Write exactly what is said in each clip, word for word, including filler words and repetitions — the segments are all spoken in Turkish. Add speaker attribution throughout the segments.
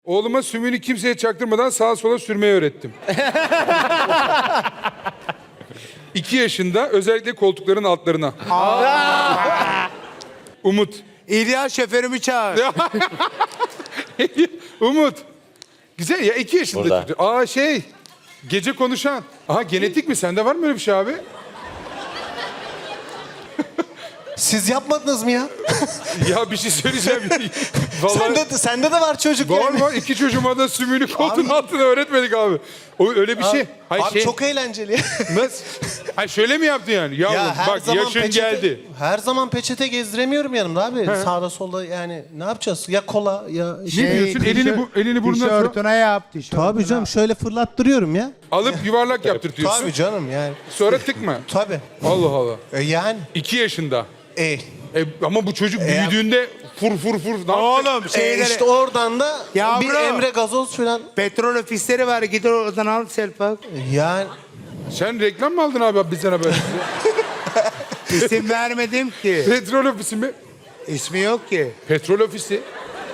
Speaker 1: Oğluma sümüğünü kimseye çaktırmadan sağa sola sürmeyi öğrettim. İki yaşında özellikle koltukların altlarına. Umut.
Speaker 2: İlyas şoförümü çağır.
Speaker 1: Umut. Güzel ya, iki yaşında
Speaker 3: Burada.
Speaker 1: çocuk. Aa şey, gece konuşan. Aha, genetik mi? Sende var mı öyle bir şey abi?
Speaker 4: Siz yapmadınız mı ya?
Speaker 1: Ya bir şey söyleyeceğim. Vallahi...
Speaker 4: Sende, de- sende de var çocuk
Speaker 1: Var
Speaker 4: yani.
Speaker 1: var, iki çocuğuma da sümüğünü koltuğun altına öğretmedik abi. O öyle bir şey. Hayır,
Speaker 4: Abi
Speaker 1: şey...
Speaker 4: çok eğlenceli.
Speaker 1: Nasıl? Hayır, şöyle mi yaptın yani? Yavrum
Speaker 4: Ya her
Speaker 1: bak,
Speaker 4: zaman
Speaker 1: yaşın
Speaker 4: peçete,
Speaker 1: geldi.
Speaker 4: Her zaman peçete gezdiremiyorum yanımda abi. Sağda solda yani ne yapacağız? Ya kola ya
Speaker 1: Ne
Speaker 4: şey.
Speaker 1: diyorsun? Elini, bu, elini burnuna sok.
Speaker 2: Tişörtüne yap. Tişörtüne.
Speaker 4: Tabii canım şöyle fırlattırıyorum ya.
Speaker 1: Alıp yuvarlak yaptırtıyorsun.
Speaker 4: Tabii canım yani.
Speaker 1: Sonra tıkma.
Speaker 4: Tabii.
Speaker 1: Allah Allah.
Speaker 4: E yani.
Speaker 1: İki yaşında.
Speaker 4: E,
Speaker 1: E, ama bu çocuk büyüdüğünde fur fur fur. Ne yapacak?
Speaker 2: Oğlum
Speaker 4: e
Speaker 2: şeyleri...
Speaker 4: işte oradan da
Speaker 2: Yavrum.
Speaker 4: bir Emre gazoz falan.
Speaker 2: Petrol ofisleri var. Git oradan al Selpak.
Speaker 4: Yani
Speaker 1: Sen reklam mı aldın abi bizden haber?
Speaker 2: İsim vermedim ki.
Speaker 1: Petrol ofisi mi?
Speaker 2: İsmi yok ki.
Speaker 1: Petrol ofisi.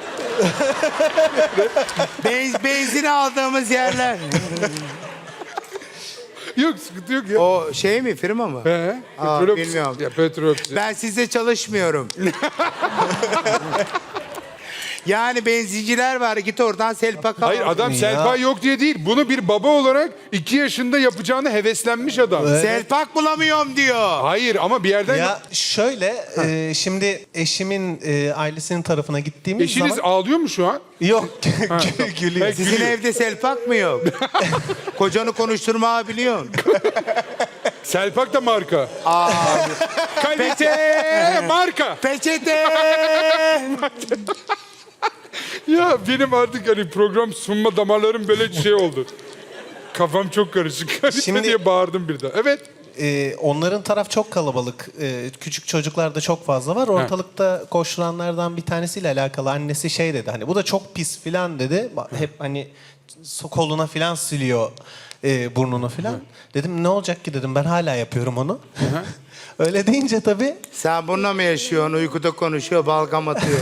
Speaker 2: Benz, benzin aldığımız yerler.
Speaker 1: Yok, sıkıntı yok ya.
Speaker 2: O şey mi, firma mı?
Speaker 1: He,
Speaker 2: Aa,
Speaker 1: petrol ofisi.
Speaker 2: bilmiyorum.
Speaker 1: Ya, petrol ofisi.
Speaker 2: Ben sizde çalışmıyorum. Yani benzinciler var. Git oradan Selpak al.
Speaker 1: Hayır, adam
Speaker 4: Ya.
Speaker 1: Selpa yok diye değil. Bunu bir baba olarak iki yaşında yapacağını heveslenmiş adam.
Speaker 2: Selpak bulamıyorum diyor.
Speaker 1: Hayır ama bir yerden...
Speaker 4: ya şöyle e, şimdi eşimin e, ailesinin tarafına gittiğimiz
Speaker 1: Eşiniz
Speaker 4: zaman
Speaker 1: ağlıyor mu şu an?
Speaker 4: yok gülüyor.
Speaker 1: Peki.
Speaker 2: Sizin
Speaker 1: Gülüyor.
Speaker 2: evde Selpak mı yok? Kocanı konuşturmayı biliyorsun.
Speaker 1: Selpak da marka. Kalite marka.
Speaker 2: Peçete.
Speaker 1: Ya benim artık hani program sunma damarlarım böyle şey oldu. Kafam çok karışık. Kalite
Speaker 4: Şimdi-
Speaker 1: diye bağırdım birden. Evet.
Speaker 4: Ee, onların taraf çok kalabalık. Ee, küçük çocuklar da çok fazla var. Ortalıkta koşturanlardan bir tanesiyle alakalı annesi şey dedi. Hani bu da çok pis filan dedi. Hep hani so- koluna filan siliyor e, burnunu filan. Dedim ne olacak ki dedim. Ben hala yapıyorum onu. Öyle deyince tabii
Speaker 2: Sen bununla mı yaşıyorsun? Uykuda konuşuyor, balgam atıyor.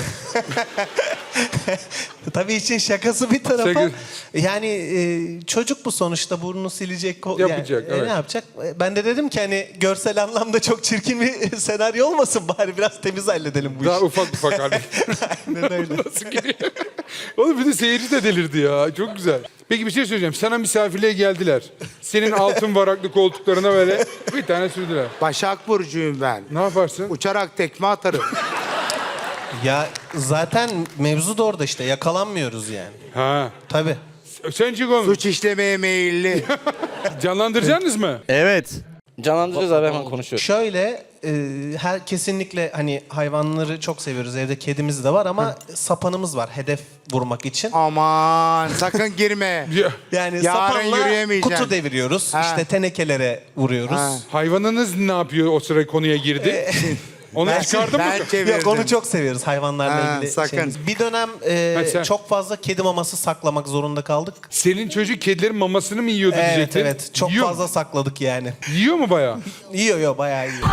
Speaker 4: tabii için şakası bir tarafa.
Speaker 1: Şaka-
Speaker 4: Yani e, çocuk bu sonuçta burnunu silecek. ko-
Speaker 1: Yapacak,
Speaker 4: yani, e,
Speaker 1: evet.
Speaker 4: Ne yapacak? E, Ben de dedim ki hani görsel anlamda çok çirkin bir senaryo olmasın. Bari biraz temiz halledelim bu
Speaker 1: Daha
Speaker 4: işi.
Speaker 1: ufak ufak hani.
Speaker 4: Aynen öyle.
Speaker 1: Nasıl geliyor? Oğlum bir de seyirci de delirdi ya. Çok güzel. Peki bir şey söyleyeceğim. Sana misafirliğe geldiler. Senin altın varaklı koltuklarına böyle bir tane sürdüler.
Speaker 2: Başak Burcu'yum ben.
Speaker 1: Ne yaparsın?
Speaker 2: Uçarak tekme atarım.
Speaker 4: Ya zaten mevzu da orada işte yakalanmıyoruz yani.
Speaker 1: Ha.
Speaker 4: Tabii.
Speaker 1: Sen çık oğlum.
Speaker 2: Suç işlemeye meyilli.
Speaker 1: Canlandıracaksınız mı?
Speaker 3: Evet. Canlandıracağız abi, hemen konuşuyoruz.
Speaker 4: Şöyle e, her kesinlikle hani hayvanları çok seviyoruz. Evde kedimiz de var ama sapanımız var hedef vurmak için.
Speaker 2: Aman sakın girme.
Speaker 1: Ya,
Speaker 4: Yani
Speaker 2: Yarın
Speaker 4: sapanla
Speaker 2: yürüyemeyeceksin.
Speaker 4: kutu deviriyoruz.
Speaker 2: Ha.
Speaker 4: İşte tenekelere vuruyoruz.
Speaker 2: Ha.
Speaker 1: hayvanınız ne yapıyor o sıra konuya girdi? Onu çıkardın mı?
Speaker 2: Ben çevirdim.
Speaker 4: Yok onu çok seviyoruz hayvanlarla
Speaker 2: Ha,
Speaker 4: ilgili.
Speaker 2: sakın.
Speaker 4: şeyimiz. Bir dönem e,
Speaker 1: Ha, sen-
Speaker 4: çok fazla kedi maması saklamak zorunda kaldık.
Speaker 1: Senin çocuk kedilerin mamasını mı yiyordu
Speaker 4: Evet
Speaker 1: diyecektin?
Speaker 4: evet çok
Speaker 1: Yiyor mu?
Speaker 4: fazla sakladık yani.
Speaker 1: Yiyor mu bayağı?
Speaker 4: Yiyor yiyor bayağı yiyor.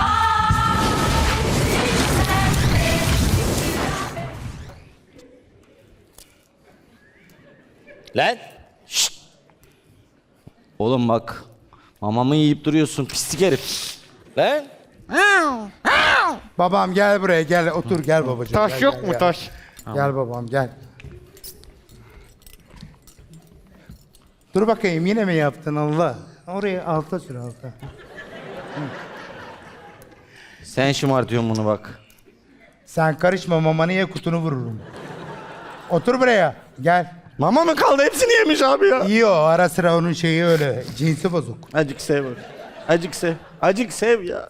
Speaker 3: Lan. Şşt. Oğlum bak. Mamamı yiyip duruyorsun pislik herif. Lan.
Speaker 2: Babam gel buraya gel otur gel babacığım.
Speaker 5: Taş
Speaker 2: gel,
Speaker 5: yok
Speaker 2: gel,
Speaker 5: mu
Speaker 2: gel.
Speaker 5: taş?
Speaker 2: Gel babam gel. Dur bakayım yine mi yaptın Allah? Oraya alta sür alta.
Speaker 3: Sen şımartıyorsun bunu bak.
Speaker 2: Sen karışma mamanı ye kutunu vururum. Otur buraya gel.
Speaker 5: Mama mı kaldı? Hepsini yemiş abi ya.
Speaker 2: İyi o ara sıra onun şeyi öyle cinsi bozuk.
Speaker 5: Acık sev. Acık sev. Acık sev ya.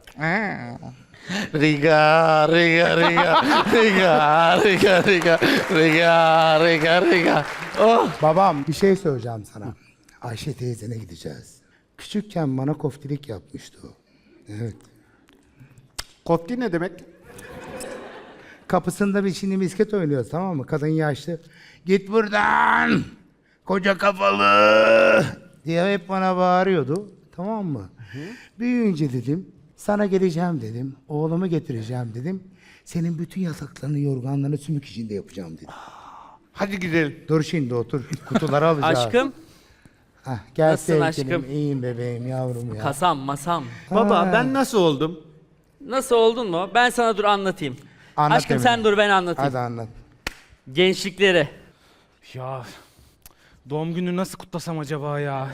Speaker 5: Riga, riga, riga, riga, riga, riga, riga, riga, riga. Oh.
Speaker 2: Babam bir şey söyleyeceğim sana. Ayşe teyzene gideceğiz. Küçükken bana koftilik yapmıştı o. Evet.
Speaker 5: Kotli ne demek?
Speaker 2: Kapısında bir şimdi misket oynuyoruz tamam mı? Kadın yaşlı. Git buradan koca kafalı diye hep bana bağırıyordu. Tamam mı? Hı. Büyüyünce dedim sana geleceğim dedim. Oğlumu getireceğim dedim. Senin bütün yataklarını yorganlarını sümük içinde yapacağım dedim.
Speaker 5: Hadi gidelim.
Speaker 2: Dur şimdi otur. Kutuları alacağız.
Speaker 6: Aşkım,
Speaker 2: Hah, gel
Speaker 6: Nasılsın
Speaker 2: sevgilim.
Speaker 6: aşkım?
Speaker 2: İyiyim bebeğim yavrum ya.
Speaker 6: kasam, masam.
Speaker 5: Baba ben nasıl oldum?
Speaker 6: Nasıl oldun mu? Ben sana dur anlatayım.
Speaker 2: Anlat
Speaker 6: Aşkım
Speaker 2: Emine.
Speaker 6: sen dur ben anlatayım.
Speaker 2: Hadi anlat.
Speaker 6: Gençlikleri.
Speaker 7: Ya doğum günü nasıl kutlasam acaba ya?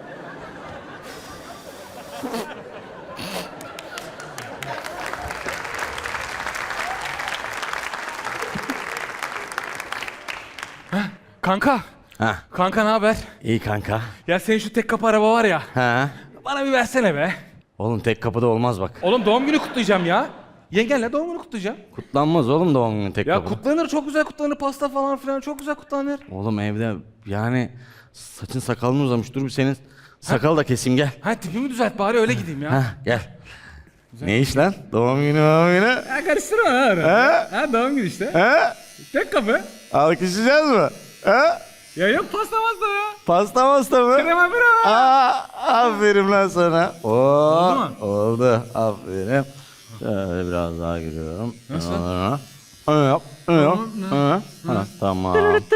Speaker 7: Heh, kanka.
Speaker 3: Ha,
Speaker 7: Kanka ne haber?
Speaker 3: iyi kanka.
Speaker 7: Ya senin şu tek kapı araba var ya.
Speaker 3: Ha.
Speaker 7: Bana bir versene be.
Speaker 3: Oğlum tek kapıda olmaz bak.
Speaker 7: Oğlum doğum günü kutlayacağım ya. Yengenle doğum günü kutlayacağım.
Speaker 3: Kutlanmaz oğlum doğum günü tek
Speaker 7: Ya
Speaker 3: kapıda.
Speaker 7: kutlanır, çok güzel kutlanır, pasta falan filan çok güzel kutlanır.
Speaker 3: Oğlum evde yani saçın sakalın uzamış. Dur bir senin sakal da keseyim gel.
Speaker 7: Ha tipimi düzelt bari öyle gideyim ya.
Speaker 3: Ha gel. Ne iş lan? Doğum günü doğum günü.
Speaker 7: Ha karıştırma ha. Ha? Ha doğum günü işte.
Speaker 3: Ha?
Speaker 7: Tek kapı.
Speaker 3: Alkışlayacağız mı? Ha?
Speaker 7: Ya yok pasta pasta ya.
Speaker 3: Pasta masta mı?
Speaker 7: Krema krema.
Speaker 3: Aa, aferin lan sana. Oo,
Speaker 7: Oldu mu?
Speaker 3: Oldu. Aferin. Şöyle biraz daha giriyorum. Nasıl? Öyle yap. Öyle yap. Öyle. Ha, tamam.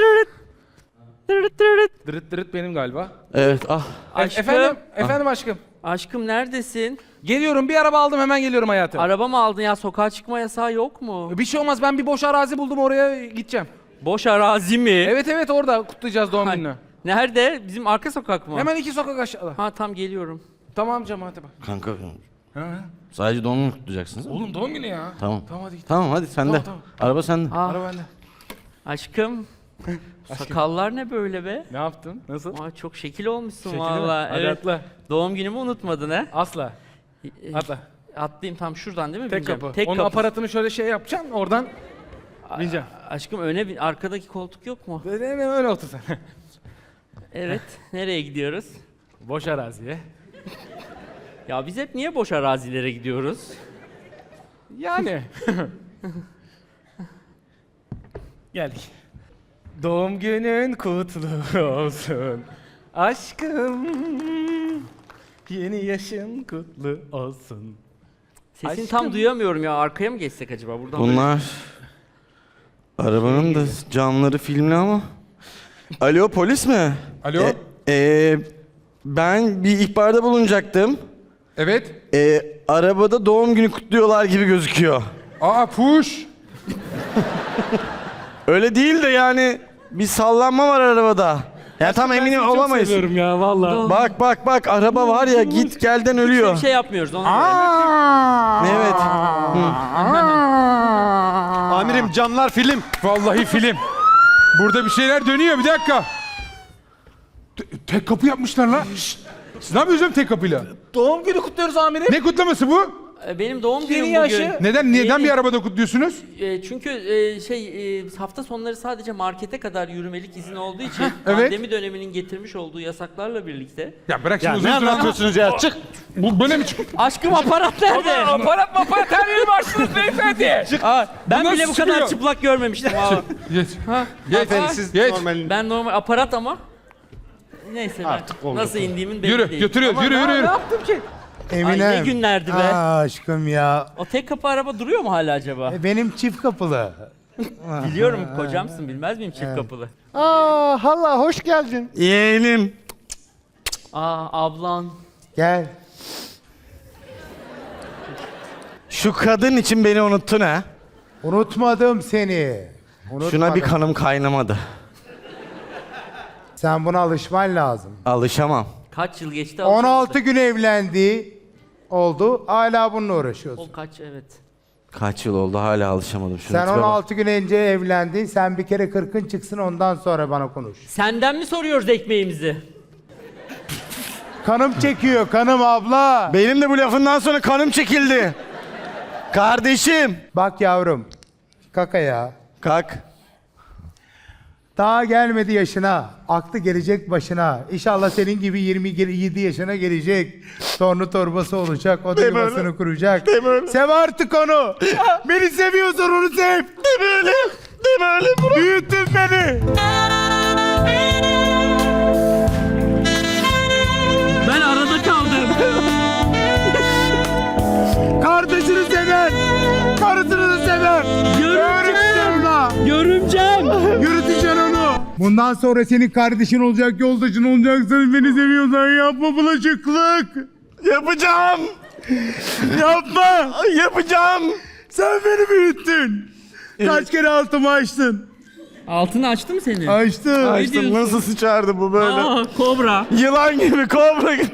Speaker 7: Dırıt dırıt benim galiba.
Speaker 3: Evet ah.
Speaker 7: E-
Speaker 6: Aşkım.
Speaker 7: efendim, efendim aşkım.
Speaker 6: Aşkım neredesin?
Speaker 7: Geliyorum, bir araba aldım, hemen geliyorum hayatım.
Speaker 6: Araba mı aldın ya? Sokağa çıkma yasağı yok mu?
Speaker 7: Bir şey olmaz, ben bir boş arazi buldum, oraya gideceğim.
Speaker 6: Boş arazi mi?
Speaker 7: Evet evet, orada kutlayacağız doğum
Speaker 6: Ha,
Speaker 7: gününü.
Speaker 6: Nerede? Bizim arka sokak mı?
Speaker 7: Hemen iki sokak aşağıda.
Speaker 6: Ha tam geliyorum.
Speaker 7: Tamam canım, hadi bak.
Speaker 3: Kanka
Speaker 7: Ha, ha.
Speaker 3: sadece doğum günü kutlayacaksınız değil mi?
Speaker 7: Oğlum doğum günü ya.
Speaker 3: Tamam.
Speaker 7: Tamam hadi git.
Speaker 3: Tamam hadi sende.
Speaker 7: Tamam, tamam.
Speaker 3: Araba sende.
Speaker 6: Ah,
Speaker 7: Araba bende.
Speaker 6: aşkım. Sakallar ne böyle be?
Speaker 7: Ne yaptın? Nasıl?
Speaker 6: Aa, çok şekil olmuşsun
Speaker 7: Şekili mi?
Speaker 6: valla.
Speaker 7: Hadi
Speaker 6: Evet.
Speaker 7: atla.
Speaker 6: Doğum günümü unutmadın he?
Speaker 7: Asla.
Speaker 6: E,
Speaker 7: Atla.
Speaker 6: Atlayayım tam şuradan değil mi?
Speaker 7: Tek
Speaker 6: bineceğim?
Speaker 7: kapı.
Speaker 6: Tek
Speaker 7: Onun
Speaker 6: kapı.
Speaker 7: aparatını şöyle şey yapacaksın, oradan bineceksin.
Speaker 6: Aşkım öne bin. Arkadaki koltuk yok mu?
Speaker 7: Böyle öyle otur sen.
Speaker 6: Evet. Nereye gidiyoruz?
Speaker 7: Boş araziye.
Speaker 6: Ya biz hep niye boş arazilere gidiyoruz?
Speaker 7: Yani. Geldik. Doğum günün kutlu olsun. Aşkım. Yeni yaşın kutlu olsun.
Speaker 6: Sesini
Speaker 7: Aşkım.
Speaker 6: tam duyamıyorum ya. Arkaya mı geçsek acaba? Buradan
Speaker 3: Bunlar arabanın da camları filmli ama. Alo polis mi?
Speaker 1: Alo?
Speaker 3: E, e, ben bir ihbarda bulunacaktım.
Speaker 1: Evet.
Speaker 3: E, arabada doğum günü kutluyorlar gibi gözüküyor.
Speaker 1: Aa push.
Speaker 3: Öyle değil de yani bir sallanma var arabada. Ya tam eminim olamayız.
Speaker 7: Seviyorum ya vallahi.
Speaker 3: Bak bak bak araba var ya git gelden ölüyor.
Speaker 6: bir şey yapmıyoruz ona göre.
Speaker 3: Evet.
Speaker 5: Amirim camlar film.
Speaker 1: Vallahi film. Burada bir şeyler dönüyor, bir dakika. Te- tek kapı yapmışlar lan. Şşt! Siz ne yapıyorsunuz tek kapıyla?
Speaker 7: Doğum günü kutluyoruz amirim.
Speaker 1: Ne kutlaması bu?
Speaker 6: Ee, Benim doğum günüm
Speaker 7: Yeni
Speaker 6: bugün.
Speaker 7: yaşı.
Speaker 1: Neden neden
Speaker 6: Yeni-
Speaker 1: bir arabada kutluyorsunuz?
Speaker 6: E, çünkü e, şey e, hafta sonları sadece markete kadar yürümelik izin olduğu için
Speaker 1: Evet.
Speaker 6: pandemi döneminin getirmiş olduğu yasaklarla birlikte.
Speaker 1: Ya bırak
Speaker 5: Ya
Speaker 1: şimdi
Speaker 5: ne
Speaker 1: uzun süre
Speaker 5: anlatıyorsunuz ya? Çık.
Speaker 1: Bu böyle mi çıkıyor?
Speaker 6: Aşkım aparat nerede?
Speaker 7: Aparat maparat her yeri başlıyoruz beyefendi.
Speaker 6: Aa, ben
Speaker 1: nasıl
Speaker 6: bile bu kadar
Speaker 1: çıkıyor?
Speaker 6: çıplak görmemiştim. Aa,
Speaker 1: Geç.
Speaker 5: Beyefendi siz
Speaker 1: Geç.
Speaker 5: normal.
Speaker 6: ben normal aparat ama neyse
Speaker 5: Artık
Speaker 6: ben
Speaker 5: oldu.
Speaker 6: nasıl indiğimin belli
Speaker 1: Yürü,
Speaker 6: değil.
Speaker 1: götürüyoruz. Yürü, yürü,
Speaker 7: Ne
Speaker 1: yürü.
Speaker 7: yaptım ki?
Speaker 6: Ay ne günlerdi be.
Speaker 2: Aa, aşkım ya.
Speaker 6: O tek kapı araba duruyor mu hala acaba?
Speaker 2: E, Benim çift kapılı.
Speaker 6: Biliyorum kocamsın bilmez miyim çift kapılı?
Speaker 5: Aa hala hoş geldin.
Speaker 3: Yeğenim.
Speaker 6: Aa ablan.
Speaker 2: Gel.
Speaker 3: Şu kadın için beni unuttun ha.
Speaker 2: Unutmadım seni. Unutmadım.
Speaker 3: Şuna bir kanım kaynamadı.
Speaker 2: Sen buna alışman lazım.
Speaker 3: Alışamam.
Speaker 6: Kaç yıl geçti?
Speaker 2: on altı gün evlendi. Oldu. Hala bununla uğraşıyorsun.
Speaker 6: O kaç evet.
Speaker 3: Kaç yıl oldu hala alışamadım. Şuna
Speaker 2: Sen
Speaker 3: tipe bak.
Speaker 2: on altı gün önce evlendin. Sen bir kere kırkın çıksın ondan sonra bana konuş.
Speaker 6: Senden mi soruyoruz ekmeğimizi?
Speaker 2: Kanım çekiyor kanım abla.
Speaker 3: Benim de bu lafından sonra kanım çekildi. Kardeşim.
Speaker 2: Bak yavrum. Kaka ya.
Speaker 3: Kalk.
Speaker 2: Daha gelmedi yaşına. Aklı gelecek başına. İnşallah senin gibi yirmi yedi yaşına gelecek. Torunu torbası olacak. O da
Speaker 3: Deme
Speaker 2: yuvasını
Speaker 3: öyle.
Speaker 2: kuracak.
Speaker 3: Deme öyle.
Speaker 2: Sev artık onu. Beni seviyorsan onu sev.
Speaker 3: Deme öyle. Deme öyle. Bırak.
Speaker 2: Büyüttün beni.
Speaker 6: Ben arada kaldım.
Speaker 2: Kardeşini sever. Karısını da sever.
Speaker 6: Görümcem.
Speaker 2: Öğreteceğim la.
Speaker 6: Görümcem.
Speaker 2: Yürüteceksin onu. Bundan sonra senin kardeşin olacak, yoldaşın olacak. Sen beni seviyorsan yapma bulaşıklık.
Speaker 5: Yapacağım.
Speaker 2: Yapma.
Speaker 5: Yapacağım.
Speaker 2: Sen beni büyüttün. Kaç kere altımı açtın?
Speaker 6: Altını açtı mı senin?
Speaker 2: Açtın.
Speaker 5: Açtım,
Speaker 6: diyorsun?
Speaker 5: nasıl sıçardı bu böyle?
Speaker 6: Aa, kobra.
Speaker 5: Yılan gibi, kobra gibi.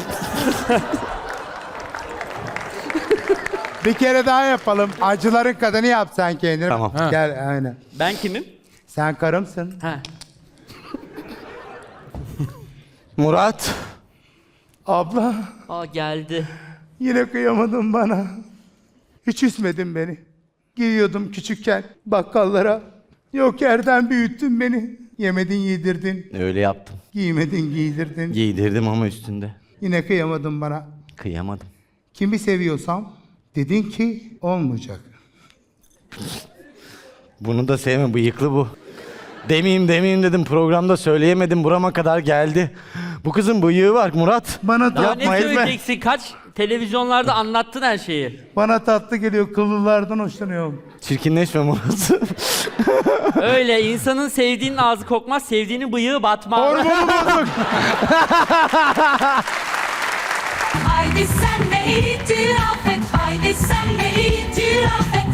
Speaker 2: Bir kere daha yapalım. Acıların kadını yap sen kendini.
Speaker 5: Tamam.
Speaker 1: Ha.
Speaker 2: Gel aynen.
Speaker 6: Ben kimim?
Speaker 2: Sen karımsın.
Speaker 6: Ha.
Speaker 5: Murat.
Speaker 2: Abla
Speaker 6: Aa geldi.
Speaker 2: yine kıyamadın bana. Hiç üzmedin beni. Giriyordum küçükken bakkallara. Yok yerden büyüttün beni. Yemedin yedirdin.
Speaker 3: Öyle yaptım.
Speaker 2: Giymedin giydirdin.
Speaker 3: Giydirdim ama üstünde.
Speaker 2: Yine kıyamadın bana.
Speaker 3: Kıyamadım.
Speaker 2: Kimi seviyorsam dedin ki olmayacak.
Speaker 3: Bunu da sevme, bıyıklı bu. Demeyeyim demeyeyim dedim, programda söyleyemedim, burama kadar geldi. Bu kızın bıyığı var Murat.
Speaker 2: Bana
Speaker 6: Daha
Speaker 2: tatlı,
Speaker 6: ne söyleyeceksin? Kaç televizyonlarda anlattın her şeyi.
Speaker 2: bana tatlı geliyor. Kıllılardan hoşlanıyorum.
Speaker 3: Çirkinleşme Murat.
Speaker 6: Öyle insanın sevdiğinin ağzı kokmaz, sevdiğinin bıyığı batmaz.
Speaker 8: Haydi sen de itiraf et, haydi sen de itiraf et.